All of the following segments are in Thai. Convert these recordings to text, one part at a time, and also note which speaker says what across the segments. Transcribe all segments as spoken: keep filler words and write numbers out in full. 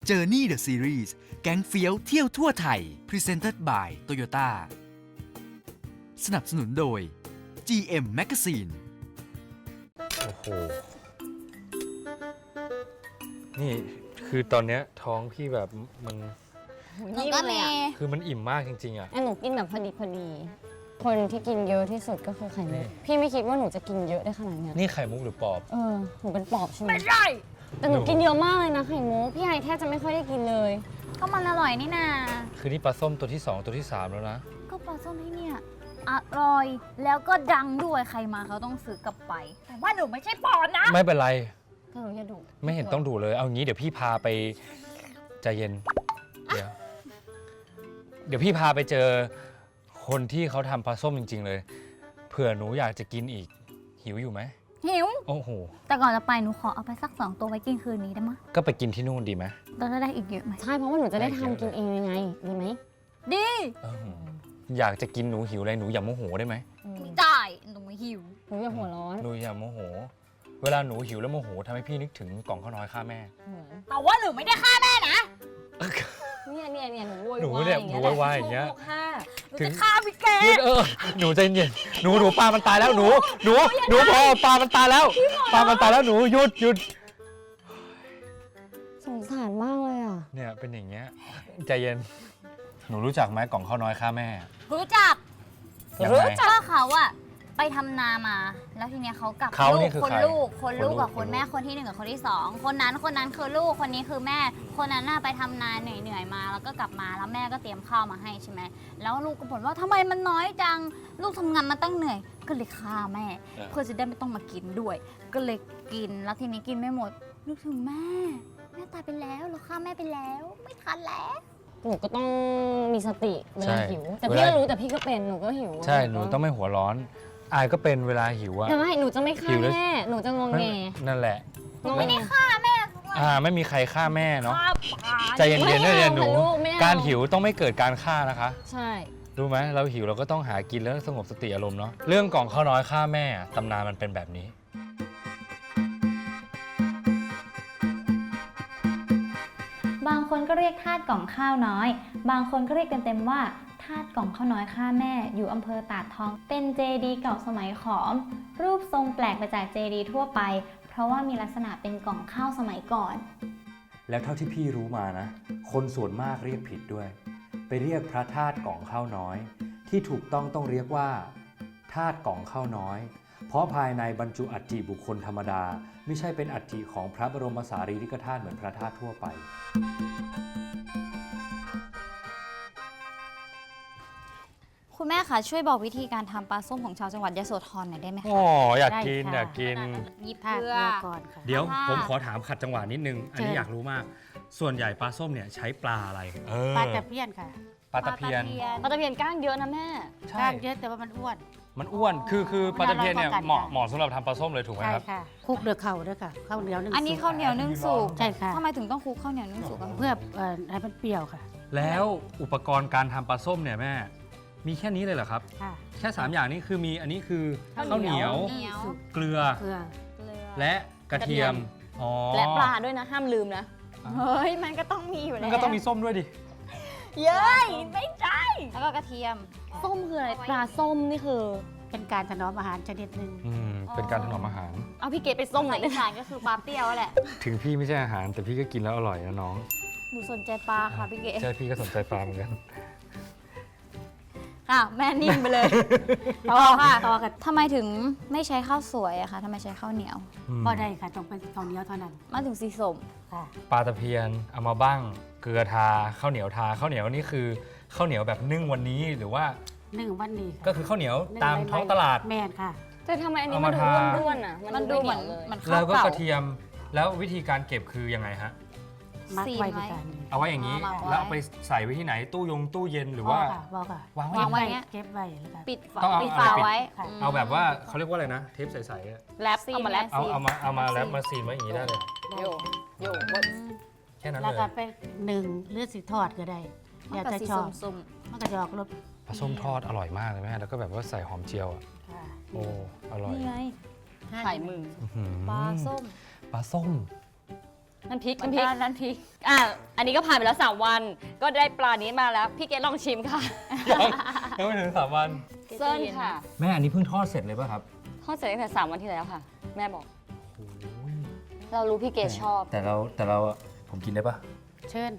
Speaker 1: Journey the Series แก๊งเฟี้ยวเที่ยวทั่วไทย Presented by Toyota สนับสนุนโดย จี เอ็ม Magazine
Speaker 2: โอ้โห นี่คือตอนเนี้ยท้องพี่แบบมัน
Speaker 3: หนูก็มี
Speaker 2: คือมันอิ่มมากจริงๆอ่ะ
Speaker 3: หนูกินแบบพอดีพอดี คนที่กินเยอะที่สุดก็คือไข่มุก
Speaker 2: นี่
Speaker 3: พี่ไม่คิดว่าหนูจะกินเยอะได้ขนาดนี้
Speaker 2: นี่ไข่มุกหรือปอบ
Speaker 3: เออ หนูเป็นปอบใช่ไหม
Speaker 4: ไม่ใช่
Speaker 3: แต่หนูกินเยอะมากเลยนะไข่มุก พี่ไอแทบจะไม่ค่อยได้กินเลย
Speaker 4: ก็มันอร่อยนี่นา
Speaker 2: คือนี่ปลาส้มตัวที่สองตัวที่สามแล้วนะ
Speaker 4: ก็ปลาส้มที่เนี่ยอร่อยแล้วก็ดังด้วยใครมาเขาต้องซื้อกลับไป แต่ว่าหนูไม่ใช่ปอนนะ
Speaker 2: ไม่เป็นไร
Speaker 3: ก็หนูจะดุ
Speaker 2: ไม่เห็นต้องดูเลย เอางี้เดี๋ยวพี่พาไปใจเย็น เดี๋ยว เดี๋ยวพี่พาไปเจอคนที่เขาทำปลาส้มจริง ๆ เลย เผื่อหนูอยากจะกินอีก หิวอยู่ไหม
Speaker 4: หิว
Speaker 2: โอ้โห
Speaker 4: แต่ก่อนจะไปหนูขอเอาไปสักสองตัวไว้กินคืนนี้ได้ไหม
Speaker 2: ก็ไปกินที่นู่นดีไหม
Speaker 4: เราจะได้อีกเยอะไหม
Speaker 3: ใช่เพราะว่าหนูจะได้
Speaker 2: ได้เยอะ
Speaker 3: ทำกินเองยังไง ดีไหม
Speaker 4: ดี
Speaker 2: เอออยากจะกินหนูหิวอะไรหนูอย่าโมโหได้ไหม
Speaker 4: ไม่ได้หนูหิว
Speaker 3: หนูอย่าหัวร้อน
Speaker 2: หนูอย่าโมโห เวลาหนูหิวแล้วโมโหทำให้พี่นึกถึงกล่องข้าวน้อยฆ่าแม่
Speaker 4: แต่ว่าหนูไม่ได้ฆ่าแม่นะ
Speaker 3: เนี่ยเนี่ยเนี่ยหนูโวยวาย
Speaker 2: หนูเนี่ยหนูโวยวายอย่างเงี้ย
Speaker 3: โชว์ค่ะ
Speaker 4: หนูจะฆ่าพี่แก
Speaker 2: หยุดเออหนูใจเย็นหนูหนูปลามันตายแล้วหนูหนูหนูพอปลามันตายแล้วปลามันตายแล้วหนูหยุดหยุด
Speaker 3: สงสารมากเลยอ่ะ
Speaker 2: เนี่ยเป็นอย่างเงี้ยใจเย็นหนูรู้จักไหมกล่องข้าวน้อยฆ่าแม่
Speaker 4: รู้จัก
Speaker 2: ยัง
Speaker 4: รู้
Speaker 2: ไง
Speaker 4: จักว่าเขาอะไปทำนามา แล้วทีเนี้ยเขากลับ
Speaker 2: เขา
Speaker 4: ลู
Speaker 2: นี่
Speaker 4: ก
Speaker 2: คือ
Speaker 4: คน
Speaker 2: ใคร
Speaker 4: ลูกคนลูกกับ
Speaker 2: ค
Speaker 4: คน น
Speaker 2: ลูก
Speaker 4: แม่คนที่หนึ่งกับคนที่สองคนนั้นคนนั้นคือลูกคนนี้คือแม่ คนนั้นน่ะไปทำนาเหนื่อยๆมาแล้วก็กลับมาแล้วแม่ก็เตรียมข้าวมาให้ใช่ไหมแล้วลูกก็บ่นว่าทำไมมันน้อยจังลูกทำงานมาตั้งเหนื่อย ก็เลยฆ่าแม่ เพื่อจะได้ไม่ต้องมากินด้วย ก็เลยกินแล้วทีนี้กินไม่หมดนึกถึงแม่แม่ตายไปแล้วเราฆ่าแม่ไปแล้ว ไม่ทันแล้ว
Speaker 3: หนูก็ต้องมีสติเว
Speaker 2: ใช่
Speaker 3: ลาหิว แต่
Speaker 2: เว
Speaker 3: พี่
Speaker 2: ลา
Speaker 3: ก็รู้แต่พี่ก็เป็นหนูก็หิว
Speaker 2: ใช่หนูต้องไม่หัวร้อนอายก็เป็นเวลาหิวอะ
Speaker 3: แต่ไม่หนูจะไม่ฆ่า
Speaker 2: หิวแล้ว
Speaker 3: แม่หนูจะงงแง
Speaker 2: นั่นแหละ
Speaker 3: งง
Speaker 4: ไม่
Speaker 3: แง
Speaker 4: ได้ฆ่าแม่
Speaker 2: อ่าไม่มีใครฆ่าแม่เนาะ
Speaker 4: ฆ่าปลา
Speaker 2: ใจเย็นๆนะเรียนหนู
Speaker 3: ไม่เอาค่ะลูกไม่เอา
Speaker 2: การหิวต้องไม่เกิดการฆ่านะคะ
Speaker 3: ใช่
Speaker 2: รู้ไหมเราหิวเราก็ต้องหากินแล้วสงบสติอารมณ์เนาะเรื่องกล่องข้าวน้อยฆ่าแม่ตำนานมันเป็นแบบนี้
Speaker 5: บางคนก็เรียกธาตุกล่องข้าวน้อย บางคนก็เรียกเต็มๆว่าธาตุกล่องข้าวน้อยฆ่าแม่ อยู่อำเภอตาดทอง เป็นเจดีย์เก่าสมัยขอม รูปทรงแปลกไปจากเจดีย์ทั่วไป เพราะว่ามีลักษณะเป็นกล่องข้าวสมัยก่อน
Speaker 6: แล้วเท่าที่พี่รู้มานะ คนส่วนมากเรียกผิดด้วย ไปเรียกพระธาตุกล่องข้าวน้อย ที่ถูกต้องต้องเรียกว่าธาตุกล่องข้าวน้อย เพราะภายในบรรจุอัฐิบุคคลธรรมดา ไม่ใช่เป็นอัฐิของพระบรมสารีริกธาตุเหมือนพระธาตุทั่วไป
Speaker 4: คุณแม่คะช่วยบอกวิธีการทำปลาส้มของชาวจังหวัดยโสธรหน่อยได้ไหมคะ
Speaker 2: อ๋ออยากกินอยากกิน
Speaker 4: หยิบ
Speaker 7: ถ้า
Speaker 4: เกลือ
Speaker 7: เกลือก่อนค่ะ
Speaker 2: เดี๋ยว
Speaker 4: ค่ะ
Speaker 2: ผมขอถามขัดจังหวะนิดนึง อันนี้อยากรู้มาก ส่วนใหญ่ปลาส้มเนี่ยใช้ปลาอะไรเออ
Speaker 7: ปลาตะเพียนค่ะ
Speaker 2: ปลาตะเพียน
Speaker 3: ปลาตะเพียนก้างเยอะนะแม่
Speaker 2: ใช่
Speaker 7: กล้างเยอะแต่ว่ามันอ้วน
Speaker 2: มันอ้วนคือคือปลาตะเพียนเนี่ย
Speaker 7: มันอร่อยกว่ากัน
Speaker 2: เหมาะ
Speaker 7: ค่ะ
Speaker 2: เหมาะสำหรับทำปลาส้มเลยถูกไหม
Speaker 7: ใช่
Speaker 2: ครับ
Speaker 7: ค่ะคลุกเดือเข่าด้วยค่ะข้าวเหนียวนึ่ง
Speaker 4: อันนี้
Speaker 7: สุก
Speaker 4: ข้าวเหนียวนึ่งสุก
Speaker 7: ใช่ค่ะ
Speaker 4: ทำไมถึงต้องคลุกข้าวเหนียวนึ่งสุกอะ
Speaker 7: เพื่อเอ่อให้มันเปรี้ยวค่ะ
Speaker 2: แล้วอุปกรณ์การทำปลาส้มเนี่ยแม่มีแค่นี้เลยเหรอครับ
Speaker 7: ค่ะ
Speaker 2: แค่สามอย่างนี้คือมีอันนี้คือข้าวเหนียว
Speaker 4: เหนียว
Speaker 7: สุก
Speaker 2: เกลือ
Speaker 7: เกลือ
Speaker 4: เกลือ
Speaker 2: และกระเทียมอ๋อ
Speaker 3: และปลาด้วยนะห้ามลืมนะ
Speaker 4: เฮ้ยมันก็ต้องมีอยู่
Speaker 2: มั
Speaker 4: แล้
Speaker 2: น
Speaker 4: ว
Speaker 2: ก็ต้องมีส้มด้วยดิ
Speaker 4: เย้ยไม่ใช่แล้วก็กระเทียม
Speaker 3: ส้มคืออะไรปลาส้มนี่คือ
Speaker 7: เป็นการถนอมอาหารชนิดหนึ่ง
Speaker 2: อืมเป็นการถนอมอาหาร
Speaker 3: เอาพี่เกดไปส้มหน่
Speaker 4: ภา
Speaker 3: อย
Speaker 4: ษาอีสานก็คือปลาเปรี้ยวแหละ
Speaker 2: ถึงพี่ไม่ใช่อาหาร แต่พี่ก็กินแล้วอร่อยนะน้อง
Speaker 4: หนูสนใจปลาค่ะพี่เก๋
Speaker 2: ใช่พี่ก็สนใจปลาเหมือนกัน
Speaker 4: ค่ะแม่นิ่งไปเลยต่อค่ะต่อค่ะทำไมถึงไม่ใช้ข้าวสวยอะคะทำไมใช้ข้าวเหนียว
Speaker 7: ก็ได้ค่ะต้องเป็นข้าวเหนียวเท่านั้น
Speaker 4: มาถึงสีสม
Speaker 7: ค่ะ
Speaker 2: ปลาตะเพียนเอามาบ้างเกลือทาข้าวเหนียวทาข้าวเหนียวนี่คือข้าวเหนียวแบบนึ่งวันนี้หรือว่า
Speaker 7: นึ่งวันนี้ค่ะ
Speaker 2: ก็คือข้าวเหนียว
Speaker 7: นึ่
Speaker 2: ตาม
Speaker 7: ไว้
Speaker 2: ท้องตลาด
Speaker 7: แม่นค่ะ
Speaker 3: แต่ทำไมอันนี้
Speaker 2: เอา
Speaker 3: มั
Speaker 2: มาน
Speaker 3: ดู
Speaker 2: ทา
Speaker 3: ร่วนๆอ่ะ
Speaker 4: มันดูเหมือน
Speaker 3: เลย
Speaker 4: เหมือนข้า
Speaker 2: แล้ว วก็
Speaker 4: เก่าก
Speaker 2: ระเทียมแล้ววิธีการเก็บคือยังไงฮะ
Speaker 7: มัด
Speaker 4: ซีน
Speaker 7: ไว้
Speaker 4: ไว้
Speaker 7: ด้วยกัน
Speaker 2: เอาไว้อย่างนี้
Speaker 4: เอามาไว้
Speaker 2: แล้วเอาไปใส่ไว้ที่ไหนตู้ยงตู้เย็นหรือว่า
Speaker 7: ค่ะบอกค่ะ
Speaker 2: วางไว้
Speaker 4: วางไว้ เงี้ย
Speaker 7: เก็บไว้แล้วกัน
Speaker 4: ปิดฝา
Speaker 2: ต้องเอา
Speaker 4: ปิดฝา
Speaker 2: เอาไปปิด
Speaker 4: ไว้
Speaker 7: ค่ะ
Speaker 4: ม
Speaker 2: เอาแบบว่าเขาเรียกว่าอะไรนะเทปใสๆอะ
Speaker 3: แรปเอามาแรป
Speaker 2: เอาเอามาเอามาแล้วมาซีนไว้อย่างนี้ได้เลย
Speaker 3: โยโย
Speaker 2: แค่นั้น
Speaker 7: แล้ว
Speaker 2: เล
Speaker 7: ก็
Speaker 2: ย
Speaker 7: ไปหนึ่งหรือสิทอดก็ได้
Speaker 4: มัน
Speaker 7: แล้ว
Speaker 4: ก็
Speaker 7: แต่
Speaker 4: สี
Speaker 7: ชอบ
Speaker 4: ส้ม
Speaker 7: มันก็จะออกรส
Speaker 2: ปลาส้มทอดอร่อยมากเลยแม่แล้วก็แบบว่าใส่หอมเจียวอะ
Speaker 7: ค่ะ
Speaker 2: โอ้อร่อย
Speaker 4: นี่ไง
Speaker 3: ไข่มือ
Speaker 2: อื้อหือ
Speaker 4: ปลาส้ม
Speaker 2: ปลาส้ม
Speaker 8: น้ำพริก
Speaker 4: มัน
Speaker 8: น้ำพริก
Speaker 4: น้ำพริก
Speaker 8: อ่ะอันนี้ก็ผ่านไปแล้วสามวัน ก็ได้ปลานี้มาแล้ว พี่เกดลองชิมค่ะ
Speaker 2: ยังไม่ถึงสามวัน
Speaker 8: เส้นค่ะ
Speaker 2: แม่อันนี้เพิ่งทอดเสร็จเลยป่ะครับ
Speaker 8: ทอดเสร็จตั้งแต่สามวันที่แล้วค่ะ แม่บอก เรารู้พี่เกดชอบ
Speaker 2: แต่เราแต่เราผมกินได้ปะ
Speaker 7: เชิญ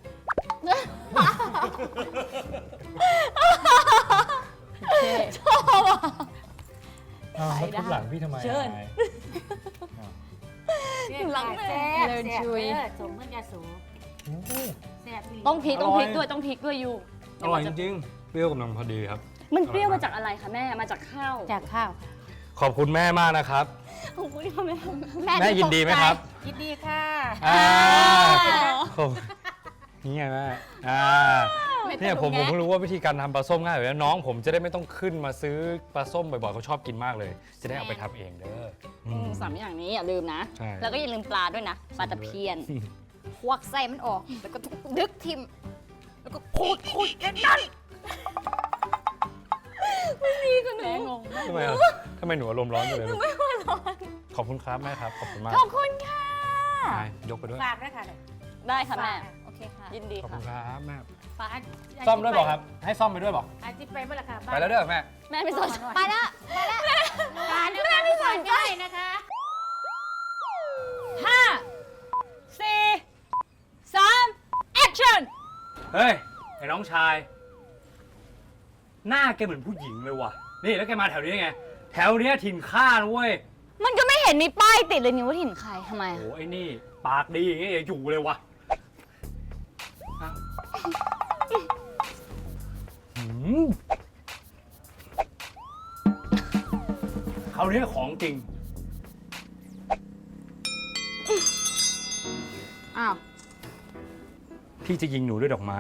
Speaker 2: อ้าวแล้วทุบหลังพี่ทำไม
Speaker 8: เชิญ
Speaker 7: หลังแซ่บ
Speaker 8: เลินชุย
Speaker 7: แซ่บสมเมื่อยาสูแซ่บอีหลี
Speaker 8: ต้องพริก
Speaker 2: อร่
Speaker 8: ต้
Speaker 2: อ
Speaker 8: อย งพริกด้วยต้องพริกด้วยอยู่
Speaker 2: อร่อยจริงๆเปรี้ยวกำลังพอดีครับ
Speaker 8: มันเปรี้ยวมาจากอะไรคะแม่มาจากข้าว
Speaker 7: จากข้าว
Speaker 2: ขอบคุณแม่มากนะครับ
Speaker 8: ขอบคุณที่ทำให้
Speaker 2: แม่ยินดีไหมครับ
Speaker 7: ยินดีค่ะ
Speaker 2: อ่าขอบนี่ไงแม่อ่าเนี่ยผมผมเพิ่งรู้ว่าวิธีการทำปลาส้มง่ายอยู่แล้วน้องผมจะได้ไม่ต้องขึ้นมาซื้อปลาส้มบ่อยๆเขาชอบกินมากเลย จะได้เอาไปทำเองเด้ออืม
Speaker 8: สามอย่างนี้อย่าลืมนะ
Speaker 2: ใช่
Speaker 8: แล้วก็อย่าลืมปลาด้วยนะ ปลาตะเพียน
Speaker 4: ควักไส้มันออก แล้วก็ดึกทิม แล้วก็ขูดขูดกันนั่น
Speaker 8: แม่งง
Speaker 2: ทำไมอ่ะทำไมหนูอารมณ์ร้อนอยู่เลยลูกขอบคุณครับแม่ครับขอบคุณมาก
Speaker 8: ขอบคุณค่ะ
Speaker 2: ไปยกไปด้วย
Speaker 7: ฝากด้วยค่ะ
Speaker 8: ได้ค่ะแม่
Speaker 4: โอเคค่ะ
Speaker 8: ยินดี
Speaker 2: ขอบคุ
Speaker 8: ค่ะ
Speaker 2: ณครับแม่
Speaker 7: ฝาก
Speaker 2: ซ่อมด้วยบอกครับ ให้ซ่อมไปด้วยบอก
Speaker 7: อาจิไปเมื่อไหร่ค่ะ
Speaker 2: ไปแล้วเด้อแม่
Speaker 8: แม่ไม่สนใจ
Speaker 4: ไปละ
Speaker 7: ฝากแม่ไม่สนใจนะคะ
Speaker 8: ห้าสี่สามแอคชั่น
Speaker 2: เฮ้ยไอ้น้องชาย หน้าแกเหมือนผู้หญิงเลยว่ะนี่แล้วแกมาแถวนี้ไงแถวเนี้ยถิ่นข้านะเว้ย
Speaker 8: มันก็ไม่เห็นมีป้ายติดเลยนี่ว่าถิ่นใครทำไม
Speaker 2: โอ้
Speaker 8: อะ
Speaker 2: ไอ้นี่ปากดีอย่างเงี้ยอย่าอยู่เลยว่ะอ้าวหืมคราวนี้ของจริง
Speaker 8: อ้าว
Speaker 2: พี่จะยิงหนูด้วยดอกไม้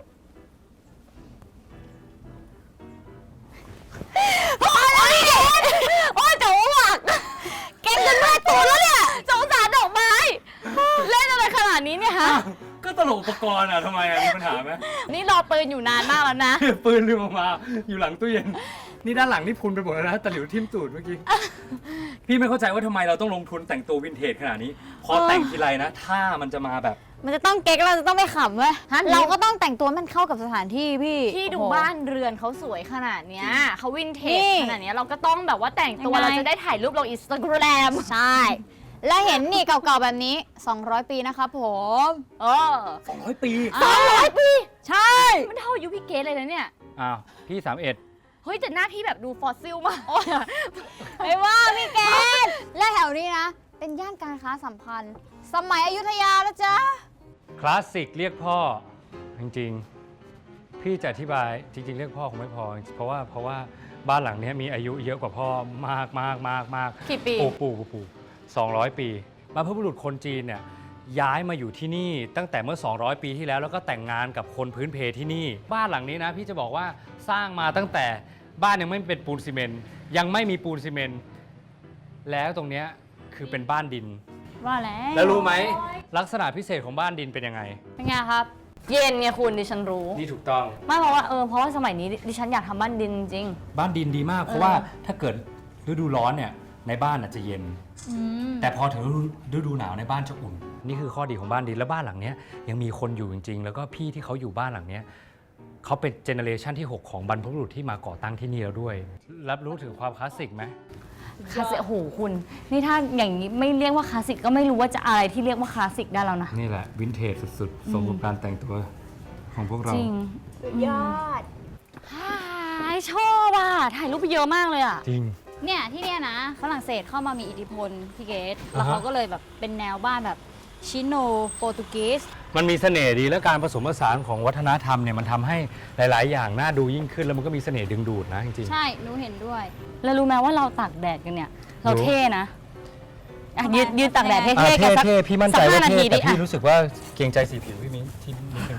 Speaker 8: โอ้ยจะอ้วกเก่งจนแม่ตูนแล้วเนี่ยสงสารดอกไม้ เล่นอะไรขนาดนี้เนี่ยฮะ
Speaker 2: ก็ตลกอุปกรณ์อ่ะทำไมอ่ะมีปัญหาไหม
Speaker 8: นี่รอปืนอยู่นานมากแล้วนะ
Speaker 2: ปืนลืมออกมาอยู่หลังตู้เย็น นี่ด้านหลังนี่พุนไปหมดแล้วนะตะหลิวทิ่มตูดเมื่อกี้ พี่ไม่เข้าใจว่าทำไมเราต้องลงทุนแต่งตัววินเทจขนาดนี้ พอแต่งทีไรนะถ้ามันจะมาแบบ
Speaker 4: มันจะต้องเก๊กเราจะต้องไม่ขำเว้ย
Speaker 8: ฮะ
Speaker 4: เราก็ต้องแต่งตัวให้มันเข้ากับสถานที่พี่
Speaker 8: ที่ดู
Speaker 4: โอ้โห
Speaker 8: บ้านเรือนเขาสวยขนาดเนี้ยเขาวินเท
Speaker 4: นี่
Speaker 8: จขนาดเนี้ยเราก็ต้องแบบว่าแต่งตัว
Speaker 4: ยังไง
Speaker 8: เราจะได้ถ่ายรูปลงอินสตาแกรม
Speaker 4: ใช่ และเห็นนี่เก่าๆแบบนี้ สองร้อย ปีนะครับผม
Speaker 8: เออ
Speaker 2: สองร้อยปี
Speaker 8: สองร้อยปี
Speaker 4: ใช่
Speaker 8: มันเท่าอายุพี่เกดเลยนะเนี่ย
Speaker 2: อ้าวพี่สามเอ็ด
Speaker 8: เฮ้ยแต่หน้าพี่แบบดูฟอสซิลมาก
Speaker 4: ไม่ว่าพี่แกนและแถวนี้นะ เป็นย่านการค้าสัมพันธ์ สมัยอยุธยาแล้วจ้า
Speaker 2: คลาสสิกเรียกพ่อ จริงๆ พี่จะอธิบายจริง ๆ เรียกพ่อคงไม่พอ เพราะว่าเพราะว่าบ้านหลังนี้มีอายุเยอะกว่าพ่อมากมากมากมาก
Speaker 8: กี่ปี
Speaker 2: ปู่ปู่ปู่ปู่สองร้อยปีบรรพบุรุษคนจีนเนี่ยย้ายมาอยู่ที่นี่ตั้งแต่เมื่อ สองร้อย ปีที่แล้วแล้วก็แต่งงานกับคนพื้นเพที่นี่ บ้านหลังนี้นะพี่จะบอกว่าสร้างมาตั้งแต่บ้านยังไม่เป็นปูนซีเมนต์ยังไม่มีปูนซีเมนต์แล้วตรงเนี้ยคือเป็นบ้านดิน
Speaker 4: ว่าแล้ว
Speaker 2: แล้วรู้ไหมลักษณะพิเศษของบ้านดินเป็นยังไง
Speaker 4: เป็นไงครับ
Speaker 8: เย็นไงคุณดิฉันรู้
Speaker 2: นี่ถูกต้อง
Speaker 8: ไม่เพราะว่าเออเพราะว่าสมัยนี้ดิฉันอยากทำบ้านดินจริง
Speaker 2: บ้านดินดีมาก เพราะว่าถ้าเกิดฤดูร้อนเนี่ยในบ้านอาจจะเย็น แต่พอถึงฤดูฤดูหนาวในบ้านจะอุ่น นี่คือข้อดีของบ้านดินแล้วบ้านหลังเนี้ยยังมีคนอยู่จริง ๆ แล้วก็พี่ที่เขาอยู่บ้านหลังเนี้ยเขาเป็นเจเนอเรชันที่ หก ของบรรพบุรุษที่มาก่อตั้งที่นี่แล้วด้วย รับรู้ถึงความคลาสสิกไหม
Speaker 8: คลาสสิกโอ้โหคุณ นี่ถ้าอย่างนี้ไม่เรียกว่าคลาสสิกก็ไม่รู้ว่าจะอะไรที่เรียกว่าคลาสสิกได้แล้วนะ
Speaker 2: นี่แหละวินเทจสุดๆสมกับการแต่งตัวของพวกเรา
Speaker 8: จริงยอดชอบอ่ะถ่ายรูปไปเยอะมากเลยอ่ะ
Speaker 2: จริง
Speaker 4: เนี่ยที่เนี่ยนะฝรั่งเศสเข้ามามีอิทธิพลพี่เกต
Speaker 2: อ่าฮะ
Speaker 4: แล้วเขาก็เลยแบบเป็นแนวบ้านแบบชิโนโปรตุเกส
Speaker 2: มันมีเสน่ห์ดีและการผสมผสานของวัฒนธรรมเนี่ยมันทำให้หลาย ๆ อย่างน่าดูยิ่งขึ้นแล้วมันก็มีเสน่ห์ดึงดูดนะจริง
Speaker 4: ใช่หนูเห็นด้วย
Speaker 8: แล้วรู้ไหมว่าเราตากแดดกันเนี่ย เรา
Speaker 2: รู้
Speaker 8: เท่นะอ่ะ
Speaker 4: ทำไม
Speaker 8: ยืนยืนตากแดด
Speaker 4: ทำไม
Speaker 2: ๆอ่า
Speaker 8: เท่ๆกันสัก
Speaker 2: เท่ๆพี่มั่นใจ
Speaker 8: สัก
Speaker 2: ว่า
Speaker 8: ห้านา
Speaker 2: เท่
Speaker 8: ที
Speaker 2: แต่
Speaker 8: ดิ
Speaker 2: พี่
Speaker 8: อ่ะ
Speaker 2: รู้สึกว่าเกรงใจสีผิวพี่มิ้งที่นิดนึง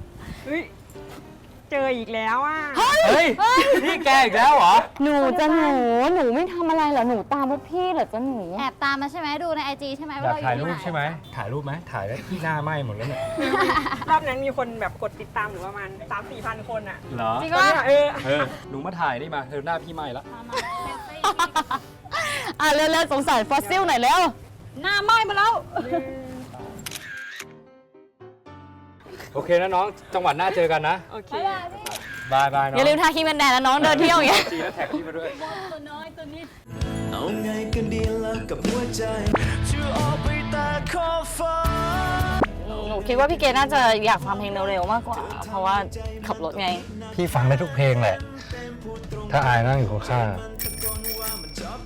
Speaker 9: เจออีกแล้วอ่ะ
Speaker 2: เฮ้ยนี่แกอีกแล้วเหรอ
Speaker 8: หนูจะหนูหนูไม่ทำอะไรเหรอหนูตามพวกพี่เหรอจะหนู
Speaker 4: แอบตามมาใช่ไหมดูในไอจีใช่ไหม
Speaker 2: อ
Speaker 4: ว่าย
Speaker 2: าก
Speaker 4: เราอ
Speaker 2: ถ่าย
Speaker 4: ยู่
Speaker 2: รู
Speaker 4: ที่ไหน
Speaker 2: ปใช่ไหมถ่ายรูปไหมถ่ายแล้วที่หน้าไหม้หมดแล้วเนี่ย
Speaker 9: รอบนั้นมีคนแบบกดติดตามหนูประมาณสามสี่พันคนอ่ะ
Speaker 2: เหรอ
Speaker 4: จริง
Speaker 9: ตอน
Speaker 4: ว่า
Speaker 9: เนี้ยเออ
Speaker 2: เออหนูมาถ่ายนี่มาเธอหน้าพี่ไหม้แล้ว
Speaker 8: อ่ะเร็วๆสงสารฟอสซิลหน่อยแล้ว
Speaker 4: หน้าไหม้มาแล้ว
Speaker 2: โอเคนะน้องจังหวัดหน้าเจอกันนะ
Speaker 9: โอเค
Speaker 2: บายบายน้อง
Speaker 8: อย่าลืมทาครีมกันแดดนะน้องเดินเที่ยวอย่างเงี้ย
Speaker 2: จีแล้วแท็กพี่มาด้วย
Speaker 10: เอาไงกันดีแล้วกับหัวใจจะออกไปตาขอบฟ้า
Speaker 8: หนูคิดว่าพี่เกดน่าจะอยากฟังเพลงเร็วๆมากกว่า เพราะว่าขับรถไง
Speaker 2: พี่ฟังได้ทุกเพลงแหละ ถ้าอายนั่งอยู่ข้าง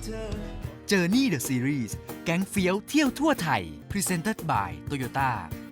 Speaker 1: Journey the Series แก๊งเฟี้ยวเที่ยวทั่วไทย Presented by Toyota